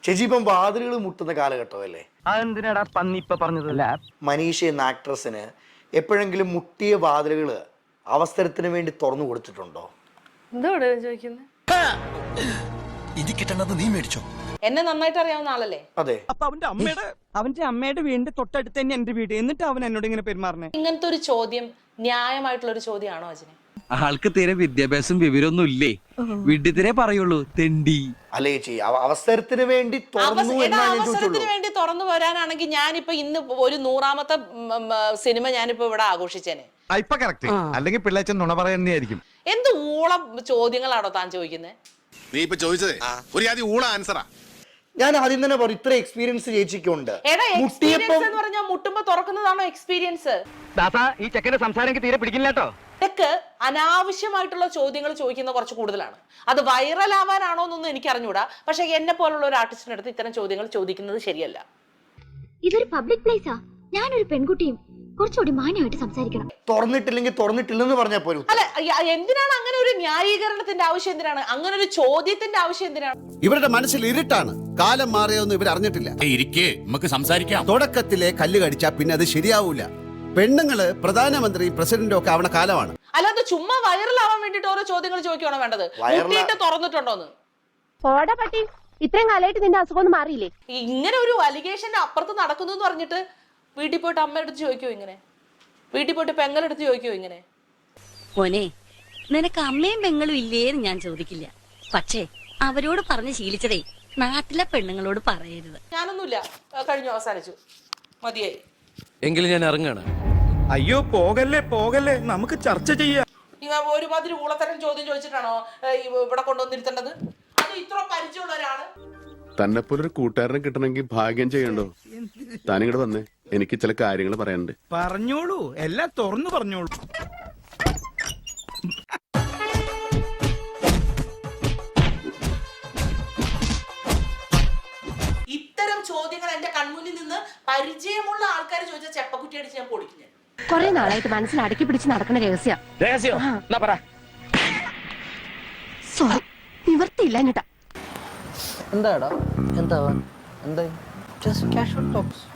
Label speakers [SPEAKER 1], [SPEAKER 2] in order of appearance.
[SPEAKER 1] ചേച്ചി ഇപ്പം വാതിലുകൾ മുട്ടുന്ന കാലഘട്ടമല്ലേ?
[SPEAKER 2] അതെന്തിനാടാ പന്നി ഇപ്പൊ പറഞ്ഞതല്ല.
[SPEAKER 1] മനീഷ എന്ന ആക്ട്രസിന് എപ്പോഴെങ്കിലും മുട്ടിയ വാതിലുകൾ അവസരത്തിന് വേണ്ടി തുറന്നു കൊടുത്തിട്ടുണ്ടോ?
[SPEAKER 3] എന്തോടെ ചോദിക്കുന്നത്?
[SPEAKER 4] ഇത് കിട്ടണത് നീ മേടിച്ചോ?
[SPEAKER 3] എന്നെ നന്നായിട്ട് അറിയാവുന്ന ആളല്ലേ?
[SPEAKER 1] അതെ.
[SPEAKER 2] അപ്പൊ അവന്റെ അമ്മയുടെ വീടിന്റെ തൊട്ടടുത്ത് തന്നെ എന്റെ വീട്, എന്നിട്ട് അവൻ എന്നോട് ഇങ്ങനെ പെരുമാറണേ.
[SPEAKER 3] ഇങ്ങനത്തെ ഒരു ചോദ്യം ന്യായമായിട്ടുള്ള ഒരു ചോദ്യമാണോ അജിനെ?
[SPEAKER 5] ആൾക്ക് തീരെ വിദ്യാഭ്യാസം വിവരമൊന്നും ഇല്ലേ, വിഡ്ഢിത്തിരെ പറയുള്ളൂ, തെണ്ടി.
[SPEAKER 1] അല്ലേ ചേച്ചി, അവസരത്തിന് വേണ്ടി തുറന്നു
[SPEAKER 3] അവസരത്തിന് വേണ്ടി തുറന്നു വരാനാണെങ്കിൽ ഞാനിപ്പോ ഇന്ന് ഒരു 100ാമത്തെ സിനിമ ഞാനിപ്പോ ഇവിടെ ആഘോഷിച്ചേനെ.
[SPEAKER 6] ഇപ്പൊ കറക്റ്റ്, അല്ലെങ്കിൽ പിള്ളേച്ചൻ നുണ പറയുന്നതായിരിക്കും.
[SPEAKER 3] എന്ത് ഊളം ചോദ്യങ്ങളാണോ താൻ ചോദിക്കുന്നത്?
[SPEAKER 7] നീ ഇപ്പൊ ചോദിച്ചതേ ഒരു ആദ്യം ഊള ആൻസറാ.
[SPEAKER 1] ഞാൻ ആദ്യം തന്നെ പറയും, ഇത്ര എക്സ്പീരിയൻസ് ചേച്ചിക്കുണ്ട്.
[SPEAKER 3] എക്സ്പീരിയൻസ് എന്ന് പറഞ്ഞാൽ മുട്ടുമ്പോ തുറക്കുന്നതാണോ എക്സ്പീരിയൻസ്?
[SPEAKER 2] ഈ ചെക്കന്റെ സംസാരം തീരെ പിടിക്കില്ല കേട്ടോ.
[SPEAKER 3] ഇതൊക്കെ അനാവശ്യമായിട്ടുള്ള ചോദ്യങ്ങൾ ചോദിക്കുന്ന കുറച്ച് കൂടുതലാണ്. അത് വൈറൽ ആവാനാണോ എന്നൊന്നും എനിക്ക് അറിഞ്ഞൂടാ. പക്ഷെ എന്നെ പോലുള്ള ഒരു ആർട്ടിസ്റ്റിന്റെ അടുത്ത് ഇത്തരം ചോദ്യങ്ങൾ ചോദിക്കുന്നത് ശരിയല്ല.
[SPEAKER 8] ഇതൊരു പബ്ലിക് പ്ലേസാ. ഞാനൊരു പെൺകുട്ടിയും കുറച്ചുകൂടി മാന്യമായിട്ട് സംസാരിക്കണം.
[SPEAKER 1] തുറന്നിട്ടില്ലെങ്കിൽ തുറന്നിട്ടില്ലെന്ന് പറഞ്ഞാൽ പോലും.
[SPEAKER 3] അല്ല, എന്തിനാണ് അങ്ങനെ ഒരു ന്യായീകരണത്തിന്റെ ആവശ്യം? എന്തിനാണ് അങ്ങനെ ഒരു ചോദ്യത്തിന്റെ ആവശ്യം? എന്തിനാണ്?
[SPEAKER 4] ഇവരുടെ മനസ്സിൽ ഇരുട്ടാണ്. കാലം മാറിയൊന്നും ഇവർ അറിഞ്ഞിട്ടില്ല.
[SPEAKER 7] ഇരിക്കേ, നമുക്ക് സംസാരിക്കാം.
[SPEAKER 4] തുടക്കത്തിലെ കല്ല് കടിച്ചാ പിന്നെ അത് ശരിയാവൂല. പെണ്ണുങ്ങള് പ്രധാനമന്ത്രി പ്രസിഡന്റും ഒക്കെ ആവണ കാലമാണ്.
[SPEAKER 3] അല്ലാതെ ചുമ്മാ വൈറലാവാൻ വേണ്ടിട്ട് ഓരോ ചോദ്യങ്ങൾ ചോദിക്കുകയാണോ വേണ്ടത്? മുട്ടിയിട്ട് തുറന്നിട്ടുണ്ടോന്ന്?
[SPEAKER 8] പട്ടി, ഇത്രയും കാലമായിട്ട് നിന്റെ അസുഖം മാറിയില്ലേ?
[SPEAKER 3] ഇങ്ങനെ ഒരു അലിഗേഷന്റെ അപ്പുറത്ത് നടക്കുന്നു എന്ന് പറഞ്ഞിട്ട് വീട്ടിൽ പോയിട്ട് അമ്മയെടുത്ത് ചോദിക്കോ ഇങ്ങനെ? വീട്ടിൽ പോയിട്ട് പെങ്ങളെടുത്ത് ചോദിക്കോ ഇങ്ങനെ?
[SPEAKER 9] മോനെ, നിനക്ക് അമ്മയും പെങ്ങളും ഇല്ലേന്ന് ഞാൻ ചോദിക്കില്ല. പക്ഷേ അവരോട് പറഞ്ഞ് ശീലിച്ചതേ നാട്ടിലെ പെണ്ണുങ്ങളോട് പറയരുത്.
[SPEAKER 3] ഞാനൊന്നുമില്ല, കഴിഞ്ഞു, അവസാനിച്ചു, മതിയായി.
[SPEAKER 5] എങ്കിലും ഞാൻ ഇറങ്ങാണ്.
[SPEAKER 2] അയ്യോ പോകല്ലേ, നമുക്ക് ചർച്ച ചെയ്യാം.
[SPEAKER 3] ഒരുമാതിരി ഊളത്തരം ചോദ്യം ചോദിച്ചിട്ടാണോ ഇവിടെ കൊണ്ടുവന്നിരുത്തേണ്ടത്? അത് ഇത്ര പരിചയമുള്ള ഒരാള്.
[SPEAKER 7] തന്നെ പോലൊരു കൂട്ടുകാരനെ കിട്ടണമെങ്കിൽ ഭാഗ്യം ചെയ്യണ്ടോ? താനിങ്ങോട് വന്നേ, എനിക്ക് ചില കാര്യങ്ങൾ പറയാനുണ്ട്.
[SPEAKER 2] പറഞ്ഞോളൂ, എല്ലാം തുറന്നു പറഞ്ഞോളൂ.
[SPEAKER 3] ഇത്തരം ചോദ്യങ്ങൾ എന്റെ കൺമുന്നിൽ നിന്ന് പരിചയമുള്ള ആൾക്കാർ ചോദിച്ച ചെപ്പക്കുറ്റി അടിച്ച് ഞാൻ പൊളിക്കും.
[SPEAKER 8] കുറെ നാളായിട്ട് മനസ്സിൽ അടക്കി പിടിച്ച് നടക്കുന്ന രഹസ്യം. സോറി, നിവർത്തിയില്ല എന്നിട്ടാ.
[SPEAKER 2] എന്താടാ എന്താ എന്താ? Just casual talks.